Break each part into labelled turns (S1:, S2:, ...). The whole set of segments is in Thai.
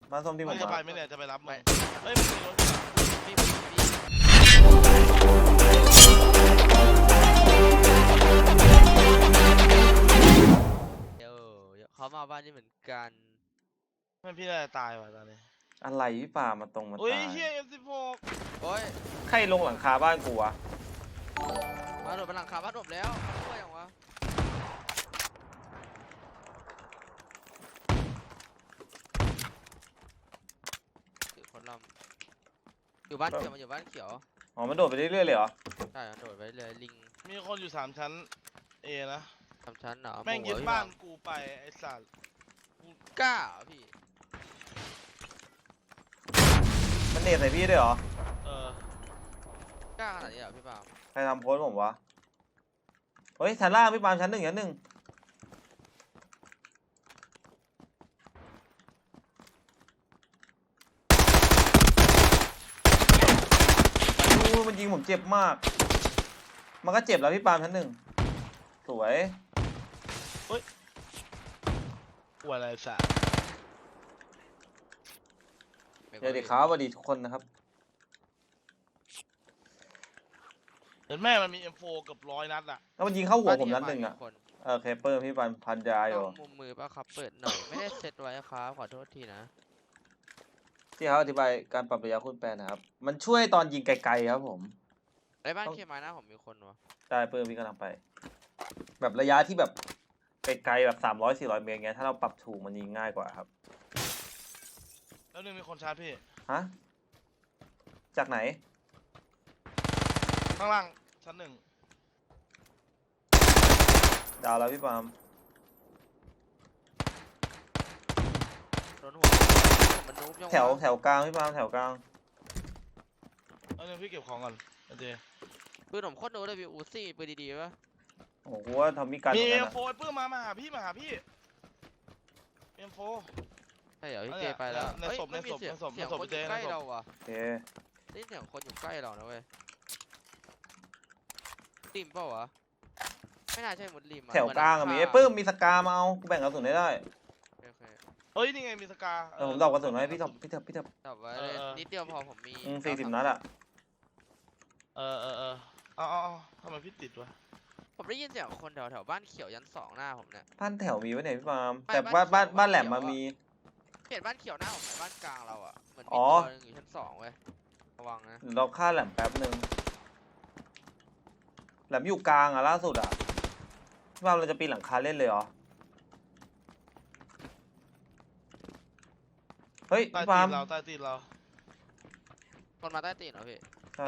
S1: บ้านส้มที่ผม
S2: จะ
S1: มา
S2: ไปไม่เนี่ยจะไปรับมึงเฮ้ยมีรถ
S3: พี่เดี๋ยวเขามาบ้านนี่เหมือนกัน
S2: ไม่พี่น่าจะตายว่ะตอนนี้
S1: อะไรพี่ป่ามาตรงมา
S2: อุ้ย
S1: ตาย
S2: เฮีย M16
S3: โอ้ย
S1: ใครลงหลังคาบ้านกูวะ
S3: มาโดดบนหลังคาบ้านผมแล้วช่วยยังวะถือคนลำอยู่บ้านเขียวมาอยู่บ้านเขียว
S1: อ๋อมันโดดไปเรื่อยๆเลยเหรอ
S3: ใช่โดดไปเลยลิง
S2: มีคนอยู่3 ชั้น A นะ
S3: ทำชั้นเหรอ
S2: แม่งยึดบ้านกูไปไอ้สัตว์
S3: กล้าเหรอพี่
S1: มันเนตใส่พี่ด้วยเหรอ
S3: กล้าขนาดนี้เหรอพี่ปาล์ม
S1: ใครทำโพสต์ผมวะเฮ้ยชั้นล่างพี่ปาล์มชั้น 1ชั้น 1อู้มันยิงผมเจ็บมาก มันก็เจ็บแล้วพี่ปาล์มชั้น 1สวย
S2: ปวดอะไรสัตว์
S1: เดี๋ยวดีครับสวัสดีทุกคนนะครับ
S2: เห็นแม่มันมี M4 เกือบ100 นัดอ่ะ
S1: แล้วมันยิงเข้าหัวผมนัด
S3: บ้า
S1: 1อ่ะ
S3: มีคน
S1: เคเปอร์พี่ปาล์มพันยาอยู่
S3: ต้องมุมมือป่ะครับเปิดหน่อยไม่ได้เซตไว้ครับขอโทษทีนะ
S1: ที่เขาอธิบายการปรับระยะคูณ8นะครับ มันช่วยตอนยิงไกลๆครับผม
S3: ในบ้านเคมายนะผมมีคนวะ
S1: ได้เพิ่มพี่กำลังไป แบบระยะที่แบบไกลๆแบบ300-400 เมตรเงี้ยถ้าเราปรับถูกมันยิงง่ายกว่าครับ
S2: แล้วนึงมีคนชาร์จพี่
S1: ฮะจากไหน
S2: ข้างล่างชั้น 1
S1: ดาวแล้วพี่ปาล์ม
S3: โดนหัวมันนุ๊บยังวะ
S1: แถวกลางพี่ปาล์มแถวกลาง
S2: แล้วนึงพี่เก็บของก่อนโอเค
S3: ปืนผมโคตรโน้ตเลยพี่อูซี่ปืนดีๆปะ
S1: โอ้โหกูว่าทำมีการ
S2: มี
S1: เหมือนกันอะ
S2: M4 ปื้มมาหาพี่M4
S3: ใช่เหรอพี่เจไปแล้ว
S2: ใน
S3: เฮ้ย
S2: ศพ
S3: ไม่มีเสียง
S2: ในศพ
S3: เสียง
S2: ในศพ
S3: คนอ
S2: เจ
S3: ยู่
S2: ในศพ
S3: ใกล้เราว่ะ
S1: โอเค
S3: นี่เสียงคนอยู่ใกล้เรานะเว้ยริมเปล่าวะไม่น่าใช่หมดริมอะ
S1: แถวกลางอะมีไอ้ปื้มมีสกามาเอากูแบ่งกระสุนได้
S3: โอเค
S2: เฮ้ยนี่ไงมีสกา
S1: ผมดอกกระสุนให้พี่เถอะ
S3: จับไว้เลยนิดเดียวพอผมมี
S1: 40 นัดอะ
S2: เอาทำไมพี่ติดวะ
S3: ผมได้ยินเสียงคนแถวบ้านเขียวยัน2หน้าผมเนี่ย
S1: บ้านแถวมีไว้ไหนพี่ปาล์ม
S3: ไม่
S1: แต่
S3: บ้าน
S1: บ้านแหลม
S3: เขียว
S1: มามี
S3: เห็นบ้านเขียวหน้าผมไหมบ้านกลางเราอ่ะเหมือน
S1: อ๋
S3: มี
S1: อ
S3: ตัวนึงอยู่ชั้น2เว้ยระวังนะ
S1: เดี๋ยวเราฆ่าแหลมแป๊บนึงแหลมอยู่กลางอะล่าสุดอะพี่ปาล์มเราจะปีนหลังคาเล่นเลยเหรอเฮ้ย
S2: ใต้
S1: พี่
S2: ตี
S1: ปาล์ม
S2: นเราใต้ตีนเรา
S3: คนมาใต้ตีนเหรอพี่
S1: ใช่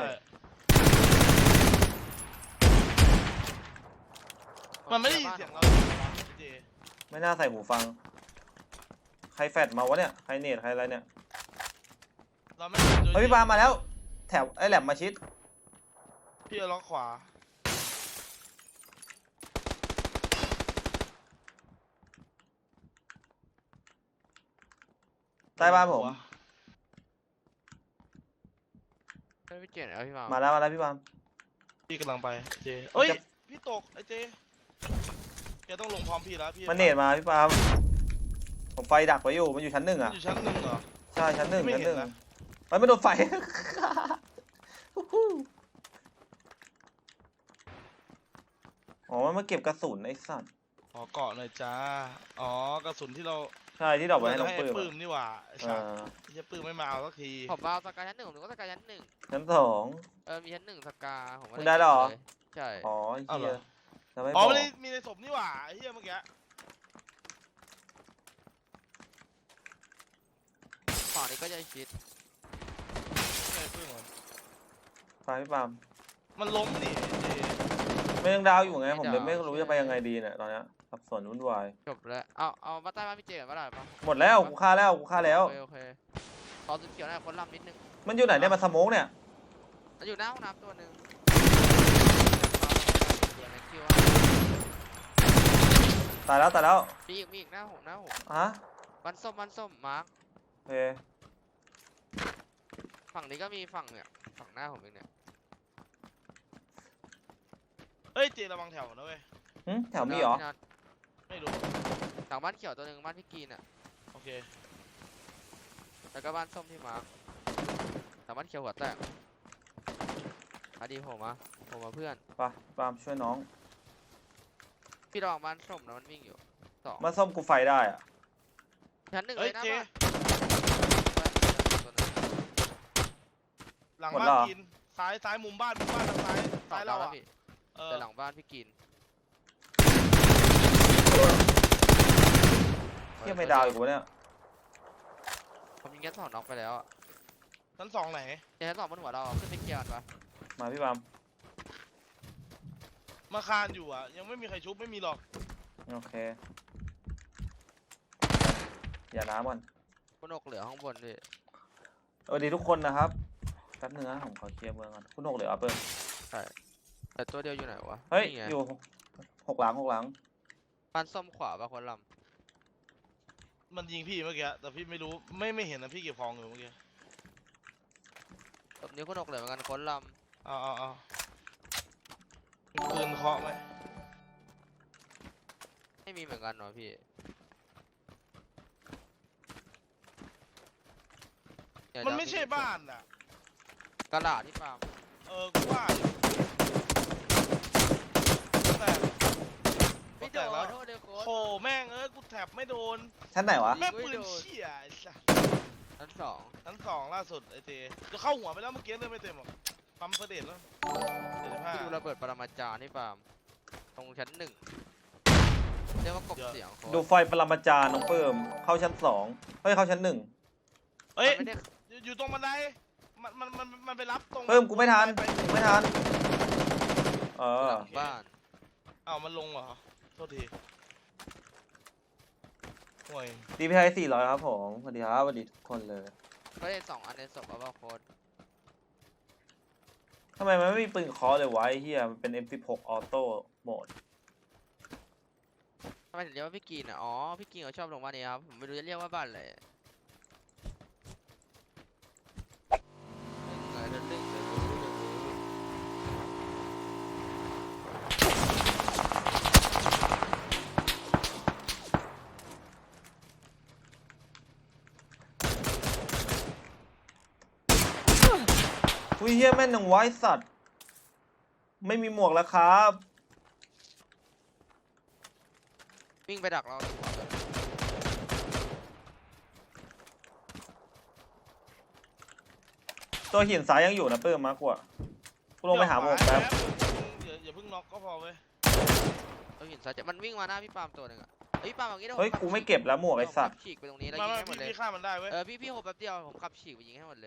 S2: มันไม่ได้ยินเสียงเราเจ
S1: ไม่น่าใส่หูฟัง ใครแฟดมาวะเนี่ย ใครเนตใครอะไรเนี่ย
S2: เราไม่
S1: เฮ้ยพี่ปาล์มมาแล้ว แถวไอ้แหลมมาชิด
S2: พี่เอาล็อกขวา
S1: ใต้บ้านผม
S3: ไม่พี่เจนเอาพี่มา
S1: มาแล้วพี่ปาล์ม
S2: พี่กำลังไปเจเอ้ยพี่ตกไอ้เจแกต้องลงพร้อมพี่แล้วพี่
S1: มันเนตมาพี่ปาล์มผมไฟดักไว้อยู่ มันอยู่ชั้น 1อะ
S2: อยู่ชั้น 1เหรอ
S1: ใช่ชั้น 1
S2: ไม่
S1: ชั้น
S2: เห็น
S1: 1
S2: นะ
S1: มันไม่โดนไฟ อ๋อมันมาเก็บกระสุนไอ้สัตว์
S2: อ๋อเกาะหน่อยจ้าอ๋อกระสุนที่เรา
S1: ใช่ที่ดอกไว้ให้น้อง
S2: ให้
S1: ปื้ม
S2: ปื้มนี่หว่าไอ้
S1: เอ
S2: สัส
S1: อ
S2: จะปื้มไม่มาเอาสักที
S3: ผมเอาสกายชั้น 1ผมนึกว่าสกายชั้น 1
S1: ชั้น 2
S3: มีชั้น 1สกาผมก็
S1: คุณได้แล้วเหรอ
S3: เลยใช่
S1: อ๋อ
S2: เอา
S1: เฮี
S2: เหร
S1: ย
S2: อ
S1: จะไม่บ
S2: อ๋อ
S1: อก
S2: ไม่ได้มีในศพนี่หว่าไอ้เหี้ยเมื่อกี้
S3: ฝั่งนี้ก็จะชิด
S2: ไอ้ปื้มเหรอ
S1: ไฟพี่ปาล์ม
S2: มันล้มนี่เจ
S1: ไม่ยังดาวอยู่ไงผมเลยไม่รู้จะไปยังไงดีเนี่ยตอนเนี้ยสับสนวุ่นวาย
S3: จบแล้วเอามาใต้บ้านพี่เจก่อนก็ได้ปะ
S1: หมดแล้วกูฆ่าแล้ว
S3: โอเคขอสุดเขียวหน่อยคนลำนิดนึง
S1: มันอยู่ไหนเนี่ยมาสโมกเนี่ย
S3: มันอยู่หน้าห้องน้ำตัวหนึ่งเดี๋ยวแม็กคิว
S1: ตายแล้ว
S3: มีอีกหน้าผม
S1: ฮะ
S3: มันส้มมาร์ค
S1: โอเค
S3: ฝั่งนี้ก็มีฝั่งเนี่ยฝั่งหน้าผมเองเนี่ย
S2: เฮ้ยเจระวังแถวนะเว้ย
S1: แถวมีเหรอ
S3: พี่นัท
S2: ไม่รู้
S3: หลังบ้านเขียวตัวหนึ่งบ้านพี่กีนอ่ะ
S2: โอเค
S3: แล้วก็บ้านส้มที่มาร์คแต่บ้านเขียวหัวแตกมาดีผมมาเพื่อน
S1: ไปปาล์มช่วยน้อง
S3: พี่ลองบ้านส้มนะมันวิ่งอยู่สอง
S1: มาส้มกูไฟได้อะ
S3: ชั้นหนึ่ง
S2: เฮ้
S3: เลย ยนะ
S2: เจ
S3: บ้าน
S2: หลังบ้านกินซ้ายมุมบ้านทางซ้าย
S3: ต่อ
S2: เรา
S3: แล้ว
S2: อ่ะ
S3: พี่
S2: เออ
S3: แต่หลังบ้านพี่กิน
S1: เที่ยไม่ดาวอีกวะเนี่ย
S3: ผมยิงแค่สองน็อกไปแล้วอะ
S2: ชั้นสองไหน
S3: เดี๋ยวชั้นสองบนหัวเราอะขึ้นไปเคลียร์กันปะ
S1: มาพี่ปาล์ม
S2: มาคานอยู่อ่ะยังไม่มีใครชุบไม่มีหรอก
S1: โอเค อย่าน้ำก่อน
S3: คุณอกเหลือข้างบนพี่
S1: สวัสดีทุกคนนะครับแป๊บนึงนะผมขอเคลียร์เมืองก่อนคุณหกเหลือเปิด
S3: แต่ตัวเดียวอยู่ไหนวะ
S1: เฮ้ย
S3: นี่ไง
S1: อยู่หกหลัง
S3: บ้านส้มขวาปะคนล
S2: มันยิงพี่เมื่อกี้แต่พี่ไม่รู้ไม่เห็นนะพี่เก็บของอยู่เมื่อกี้
S3: ำแบบนี้คุณอกเหลือเหมือนกันคนล
S2: เอามีปืนเคาะไหม
S3: ำไม่มีเหมือนกันเนาะพี่เดี๋ยว
S2: มันไม่ใช่บ้านอ่ะ
S3: กระดาษที่ฟาร์ม
S2: กูว่าอยู่แต่
S3: ไม่โด
S2: แต่
S3: น
S2: แล้ว
S3: โทษเดียวโค้ด
S2: โหแม่งกูแถบไม่โดน
S1: ชั้นไหนวะ
S2: แม่งปืนเชี่ยไอ้สัส
S3: ชั้นสอง
S2: ชั้นสองล่าสุดไอ้เจจะเข้าหัวไปแล้วเมื่อกี้เลยไม่เต็มหรอกปั๊มเฟเดตแล้ว75
S3: ที่ดูระเบิดปรมาจารย์ที่ฟาร์มตรงชั้นหนึ่งเรียกว่ากบเสียงโค้
S1: ดู
S3: ด
S1: ไฟปรมาจารย์น้องเพิ่มเข้าชั้น2เฮ้ยเข้าชั้น1
S2: เอ้ย
S3: มันไม่ได้
S2: อยู่ตรงบันไดมันไปรับตรง
S1: เพิ่มกูไม่ทัน
S2: ไป
S1: ไม่ทันเออ
S3: หลังบ้าน
S2: เอ้ามันลงเหรอโทษทีห่วย
S1: DPI 400ครับผมสวัสดีครับสวัสดีทุกคนเลย
S3: ก็ได้สองอันในศพเอาว่าโค้ด
S1: ทำไมมันไม่มีปืนเคอเลยวะไอ้เฮียมันเป็น M16 ออโต้โหมด
S3: ทำไมถึงเรียกว่าพี่กินอ่ะอ๋อพี่กินเขาชอบลงบ้านนี้ครับผมไม่รู้จะเรียกว่าบ้านอะไร
S1: อุ้ยเฮียแม่นหนังไว้สัตว์ ไม่มีหมวกแล้วครับ
S3: วิ่งไปดักเราหัวเลย
S1: ตัวหินซ้ายยังอยู่นะเพิ่มมากกว่ากูลงไปหาหมวกแป๊บ
S2: อย่าเพิ่งน็อกก็พอเว้ย
S3: เราเห็นซะจะมันวิ่งมาหน้าพี่ปาล์มตัวหนึ่งอ่ะเฮ้ยพี่ปาล์มอย่างงี้ดี๋ว
S1: เฮ้ย
S3: ผขับ
S1: กูไม่เก็บแล้วหมวกไอ้สัตว์
S3: ผมขับฉีกไปตรงนี้แล้ว
S2: มา
S3: ยิงให้หมดเลย
S2: พี่ฆ่ามันได้เว้ย
S3: พี่โหแป๊บเดียวผมขับฉีกไปยิงให้หมดเลย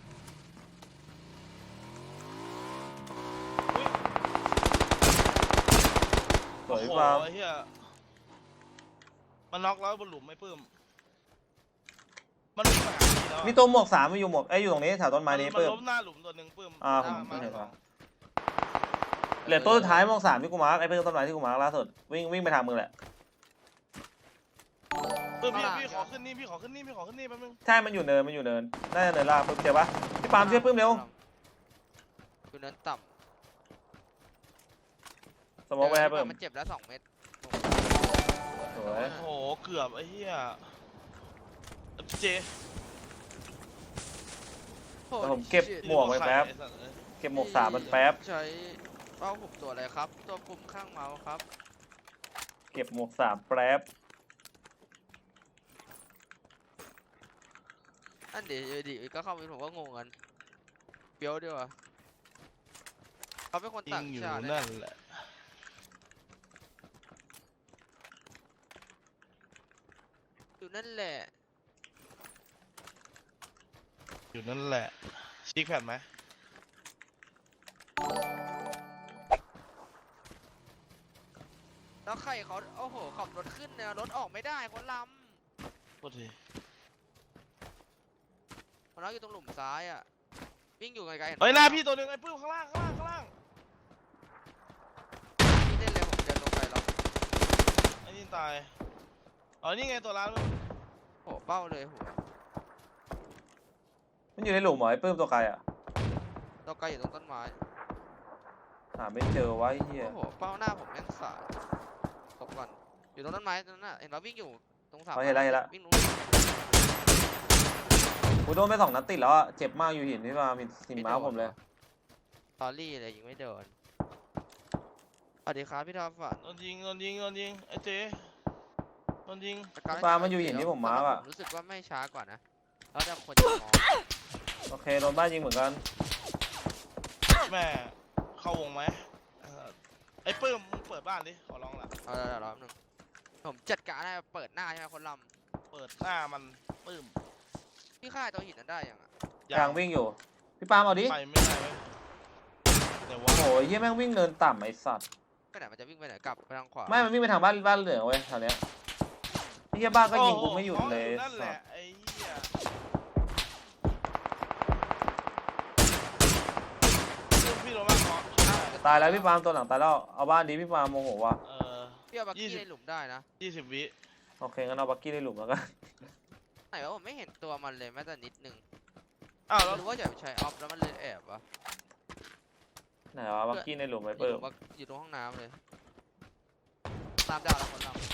S1: สวย
S2: โอ้โห
S1: ปาล์ม
S2: ไอ้เหี้ยมันน็อกแล้วบนหลุมไม่ปื้มมันวิ่งมาหาพี่แล้วอะ
S1: มีตัวหมวก3มันอยู่หมวกอยู่ตรงนี้แถวต้นไม้นี้
S2: มัน
S1: เพิ่ม
S2: ล้มหน้าหลุมตัวหนึ่งปื้ม
S1: ผม
S2: มา
S1: เห็น
S2: ส
S1: แล้
S2: อ
S1: ว
S2: ง
S1: เหลือตัวสุดท้ายหมวก3ที่กูมาร์คไอ้เพิ่มต้นไม้ที่กูมาร์คล่าสุดวิ่งไปทางมึงแหละ
S2: ปื้มพี่ขอขึ้นนี่พี่ขอขึ้นนี่แป๊บนึง
S1: ใช่มันอยู่เนินน่าจะเนินล่างเพิ่มเดี๋ยวปะพี่ปาล์มช่วยเพิ่มเร็ว
S3: อยู่เนินต่
S1: ส
S3: ำ
S1: มองไปให้เพิ่ม
S3: มันเจ็บแล้ว2 เม็ด
S1: สวย
S2: โอ้โหเกือบไอ้เหี้ยเจ
S1: แต่ผมเก็บหมวกไว้แป๊บ
S2: ไอ้สัตว์เอ้ย
S1: เก็บหมวก3มันแป๊บ
S3: ใช้เป้าผมตัวอะไรครับ ตัวปุ่มข้างเมาส์ครับ
S1: เก็บหมวก3แป๊บ
S3: อันเดี๋ยวดิก็เข้าไปผมก็งงกันเปียวดีว่ะเขาเป็นคน
S2: ยิ
S3: ต่าง ง
S2: อยู่
S3: ชาติ
S2: นั่นแหละ
S3: อยู่นั่นแหละ
S2: อยู่นั่นแหละชิคแพดไหม
S3: แล้วใครเขาโอ้โหขับรถขึ้นเนี่ยรถออกไม่ได้คนล
S2: โทษที
S3: ำคนเราอยู่ตรงหลุมซ้ายอ่ะวิ่งอยู่ไกลๆเห็น
S2: เฮ้ยหน้าพี่ตัวหนึ่งไอ้ปื้มข้างล่าง
S3: พี่เล่นเลยผมเดินลงไปแล้ว
S2: ไอ้นี่ตายอ๋อนี่ไงตัวร้านมึง
S3: โหเป้าเลยหัว
S1: มันอยู่ในหลุมเหรอไอ้เพิ่มตัวไกลอ่ะ
S3: ตัวไกลอยู่ตรงต้นไม้
S1: หาไม่เจอวะไอ้เหี้ย
S3: โอ้โหเป้าหน้าผมแม่งสายตบก่อนอยู่ตรงต้นไม้ตรงนั้นน่ะเห็นว่าวิ่งอยู่ตรงเสา
S1: เห็นแล้ว
S3: วิ่งตรง
S1: โดนไป2 นัดติดแล้วอะเจ็บมากอยู่หินพี่ปามีสินม้าผมเลย
S3: ตอรี่เลยยิงไม่โดนสวัสดีครับพี่ทอฝัน
S2: โดนยิงไอ้เจโดนยิง
S1: ปลามันอยู่หินที่ผมมาร์คอะ
S3: ผมรู้สึกว่าไม่ช้ากว่านะแล้วแต่คนจะมอง
S1: โอเคโดนบ้านยิงเหมือนกัน
S2: แม่เข้าวงไหมไอ้ปื้มมึงเปิดบ้านดิขอร้องละ
S3: เอาเดี๋ยวรอบนึงผมจัดการให้เปิดหน้าใช่ไหมคนล
S2: เปิดหน้ามันปื้ม
S3: ำพี่ฆ่าตัวหินนั้นได้ยังอ่ะ
S1: กลางวิ่งอยู่พี่ปาล์มเอาดิ
S2: ไปไม่ได้เว้ยแต่ว่า
S1: โอ้ยเฮียแม่งวิ่งเนินต่ำไอ้สัตว์
S3: ไปไหนมันจะวิ่งไปไหนกลับไปทางขวา
S1: ไม่มันวิ่งไปทางบ้านเหลืองเว้ยแถวเนี้ยไอ้เฮียบ้านก็ยิงกูไม่หยุดเลย
S2: นั่นแห
S1: สั
S2: ละ
S1: ตว์
S2: ไอ้เหี้ยพี่โรมาขอ
S1: ตายแล้วพี่ปาล์มตัวหลังตายแล้วเอาบ้านดีพี่ปาล์มโมโหว่ะ
S3: พี่เอาบักกี้ในหลุมได้นะ
S2: 20 วิ
S1: โอเคงั้นเอาบักกี้ในหลุมแล้วกัน
S3: ไหนวะผมไม่เห็นตัวมันเลยแม้แต่นิดนึง
S2: อ้าวแล้ว
S3: หรือว่าอย่าไปใช้ออฟแล้วมันเลยแอบวะ
S1: ไหนวะบักกี้ในหลุมไป
S3: อยู่
S1: เปิ
S3: ต
S1: ด
S3: รงอยู่ตรงห้องน้ำเลยตามดาวแล้วคนลำ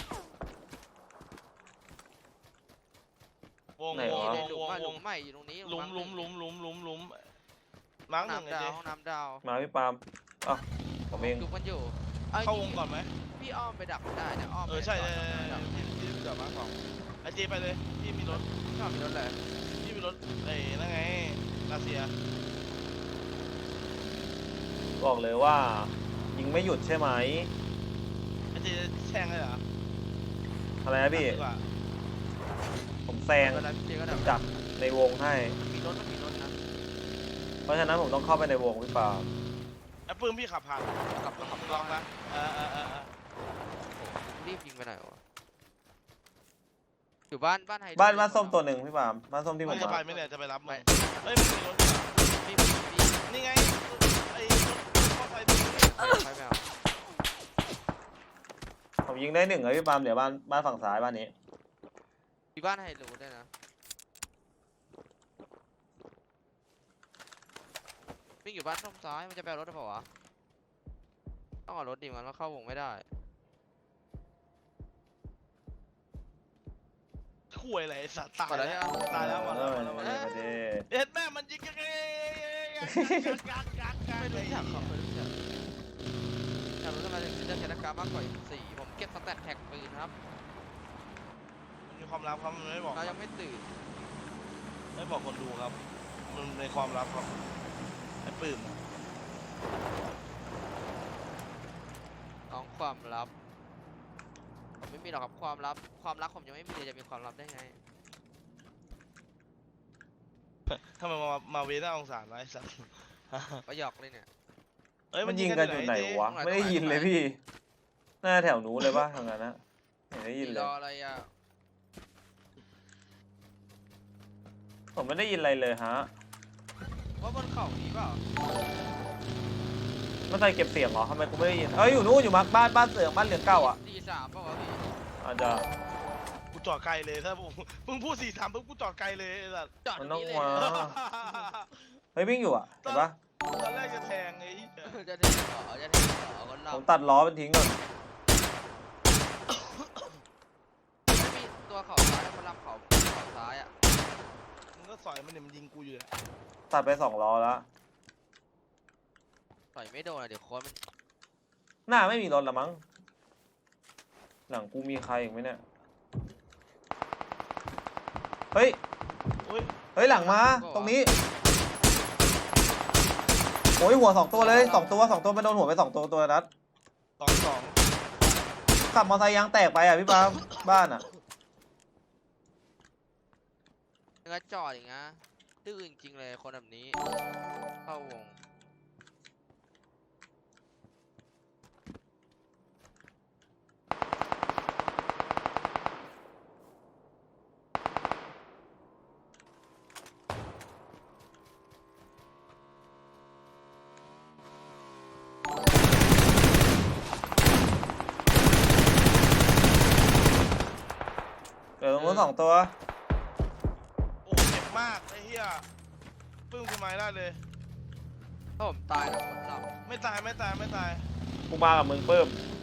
S2: วง
S3: ในหลุมหลุมใหม่อยู่ตรงนี้
S2: หลุมมาร์กหนึ่ง
S3: น้ำ
S2: ไอ้
S3: ดา
S2: เจ
S3: วห้องน้ำดาว
S1: มาพี่ปาล์มอ่ะผมเอง
S3: ดูมันอยู่
S2: เข้าวงก่อนไหม
S3: พี่อ้อมไปดักมันได้เนี่ยอ้อมไป
S2: ใช่
S3: ก่อน
S2: ๆ
S3: ดัก
S2: ที่เดี๋ยวมาสองไอ้เจไปเลยพี่มีรถ
S3: ชอบมีรถเลย
S2: พี่มีรถไอ้นั่นไงรัสเซีย
S1: บอกเลยว่า ยิงไม่หยุดใช่ไหม
S2: ไอ้เจแช่งเลยเหรอ
S1: อะไรนะพี่
S2: ดีกว่า
S1: ผมแซง
S3: เวลาพี่เจก็ดัก
S1: จับในวงให้
S3: มีรถมีรถนะ
S1: เพราะฉะนั้นผมต้องเข้าไปในวงพี่ปาล์ม
S2: ไอ้ปื้มพี่ขับผ่าน
S3: ขับ
S2: ขั
S3: ขั
S2: บบ ลองนะ
S3: รีบยิงไปไหนวะอยู่บ้านไฮ
S1: บ้านส้มตัวหนึ่งพี่ปาล์มบ้านส้มที่ผ
S2: มัน
S1: ม
S2: จะไป
S1: มา
S2: ไหมเนี่ยจะไปรับมึ
S3: ไม่
S2: งเอ้ยมันมีรถด้วยเหรอ
S3: พี่
S2: นี่ไงไอ้รถมอเตอร์ไซค์นี่
S3: ไปไม่เอา
S1: ผมยิงได้1เลยพี่ปาล์มเดี๋ยวบ้านฝั่งซ้ายบ้านนี้
S3: มีบ้านไฮรูด้วยนะวิ่งอยู่บ้านส้มซ้ายมันจะไปเอารถหรือเปล่าวะต้องเอารถดิมันเข้าวงไม่ได้
S2: ข่วยอะไรไอ้สัตว์ตาย
S3: หมดแล้ว
S2: แล้ว
S3: ใช่ปะ
S2: ตายแล้วหมดแล้ว
S1: มาเลยมาเลย
S2: เอ็ดแม่มันยิงกันไงกัก
S3: ไม่รู้จักเขาไม่รู้จักอยากรู้ทำไมถึงเลือกแคนาการมากกว่าอีก4ผมเก็บสแตทแท็กปืนครับ
S2: มีความลับครับมันไม่บอก
S3: เรายังไม่ตื่น
S2: ไม่บอกคนดูครับ มันในความลับครับไอ้ปื้ม
S3: น้องความลับผมไม่มีหรอกครับความลับผมยังไม่มีเลยจะมีความลับได้ไง
S2: ทำไมมาเวน่าองศาไว้สัตว์
S3: ก็หยอกเลยเนี่ย
S2: เอ้ย
S1: มันยิงกันอยู่ไหนวะ ไม่ได้ยินเลยพี่หน้าแถวหนูเลยปะทางนั้นนะไม่ได้ยินเล
S3: ร
S1: ย
S3: ออะไรอ่ะ
S1: ผมไม่ได้ยินอะไรเลยฮะ
S3: ว่าบนเขานี้เปล่า
S1: ไม่ใส่เก็บเสียงเหรอทำไมกูไม่ได้ยินเอ้ยอยู่นู้นอยู่บ้านเสืองบ้านเหลืองเก่าอ่ะ
S3: 43เปล่าวะพี่
S1: อาจจะ
S2: กูจอดไกลเลยถ้ามึงพูด4-3ปุ๊บกูจอดไกลเลยไอ้สัตว์
S3: จอดต
S1: มั
S3: ร
S1: น
S3: ง
S1: ต้อง
S3: นี้เลย
S1: มาเฮ้ยวิ่งอยู่อ่ะเห็นปะ
S2: ตอนแรกจะแทงไอ้เหี้ย
S3: จะถึงคนเรา
S1: ผมตัดล้อมันทิ้งก่อน
S3: ไม่มีตัวเขาซ้ายคนลำเขาซ้ายอ่ะ
S2: มึงก็สอยมันเนี่ยมันยิงกูอยู่เนี่ย
S1: ตัดไป2 ล้อแล้ว
S3: ต่อยไม่โดนอ่ะเดี๋ยวโค้ดมัน
S1: หน้าไม่มีรถละมั้งหลังกูมีใครอีกไหมเนี่ยเฮ้ย
S2: โอ้ย
S1: เฮ้ยหลังมาตรงนี้โอ้ยหัว2 ตัวเลย2 ตัวมันโดนหัวไป2 ตัวนัด
S2: 2-2
S1: ขับมอเตอร์ไซค์ยางแตกไปอ่ะพี่ปาล์มบ้านอ่ะ
S3: ยังไงจอดอย่างเงี้ยดื้อจริงๆเลยคนแบบนี้เข้าวง
S1: เดี๋ยวตรงนู้น2 ตัว
S2: โอ้เจ็บมากไอ้เหี้ยปึ้งกูไม้ได้เลย
S3: ถ้าผมตายนะคนลำ
S2: ไม่ตาย
S1: กูมากับมึงเพิ่ม
S2: ไ